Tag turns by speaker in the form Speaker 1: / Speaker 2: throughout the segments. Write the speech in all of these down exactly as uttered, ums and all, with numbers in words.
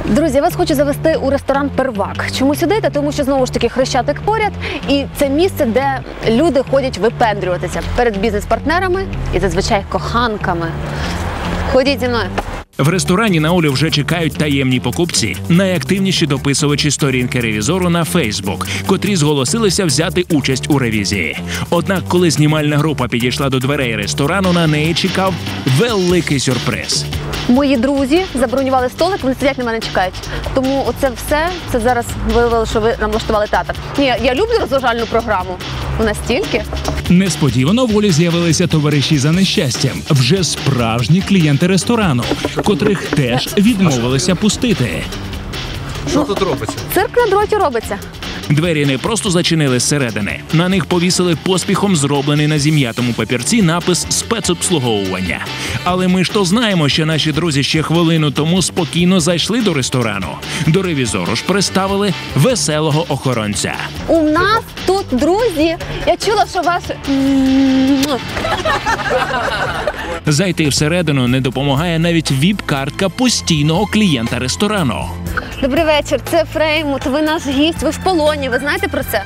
Speaker 1: Друзі, я вас хочу завести у ресторан «Первак». Чому сюди? Та тому що, знову ж таки, Хрещатик поряд. І це місце, де люди ходять випендрюватися перед бізнес-партнерами і, зазвичай, коханками. Ходіть зі мною.
Speaker 2: В ресторані на Олю вже чекають таємні покупці, найактивніші дописувачі сторінки ревізору на Фейсбук, котрі зголосилися взяти участь у ревізії. Однак, коли знімальна група підійшла до дверей ресторану, на неї чекав великий сюрприз.
Speaker 1: Мої друзі забронювали столик, вони сидять на мене чекають. Тому оце все, це зараз виявило, що ви нам влаштували театр. Ні, я люблю розважальну програму. У нас стільки.
Speaker 2: Несподівано в Олі з'явилися товариші за нещастям. Вже справжні клієнти ресторану, котрих теж відмовилися пустити.
Speaker 3: Що тут робиться?
Speaker 1: Цирк на дроті робиться.
Speaker 2: Двері не просто зачинили зсередини. На них повісили поспіхом зроблений на зім'ятому папірці напис «Спецобслуговування». Але ми ж то знаємо, що наші друзі ще хвилину тому спокійно зайшли до ресторану. До ревізору ж представили веселого охоронця.
Speaker 1: У нас тут друзі. Я чула, що ваш...
Speaker 2: Зайти всередину не допомагає навіть віп-картка постійного клієнта ресторану.
Speaker 1: Добрий вечір, це Фреймут, ви наш гість, ви в полоні, ви знаєте про це?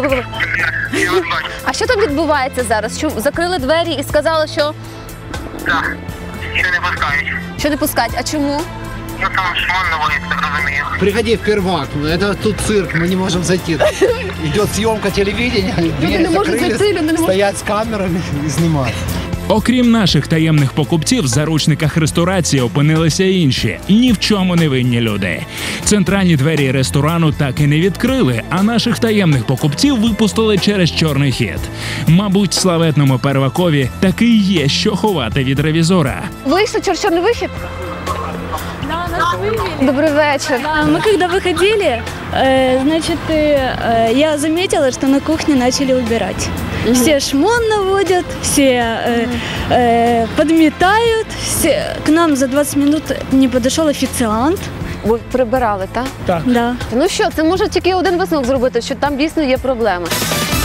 Speaker 1: А що там відбувається зараз? Що закрили двері і сказали, що...
Speaker 4: Так, ще не пускають.
Speaker 1: Що не пускать, а чому?
Speaker 4: Ну там шмон на вулиці, так розумію.
Speaker 3: Приходи в Первак, это тут цирк, мы не можем зайти. Идет съемка телевидения, двери
Speaker 1: не можуть
Speaker 3: закрылись,
Speaker 1: зайти, люди не можуть.
Speaker 3: стоять с камерами и снимают.
Speaker 2: Окрім наших таємних покупців, в заручниках ресторації опинилися інші, ні в чому не винні люди. Центральні двері ресторану так і не відкрили, а наших таємних покупців випустили через чорний хід. Мабуть, славетному Первакові таки є що ховати від ревізора.
Speaker 1: Вийшли через чорний вихід?
Speaker 5: Да, нас вывели.
Speaker 1: Добрий вечір.
Speaker 5: А мы когда выходили, э, значит, э, я заметила, что на кухне начали убирать. Все шмон наводят, все э, э, подметают. Все... К нам за двадцать минут не подошел официант.
Speaker 1: Ви прибирали, так?
Speaker 5: Да.
Speaker 1: Ну що, це може тільки один висновок зробити, що там дійсно є проблеми.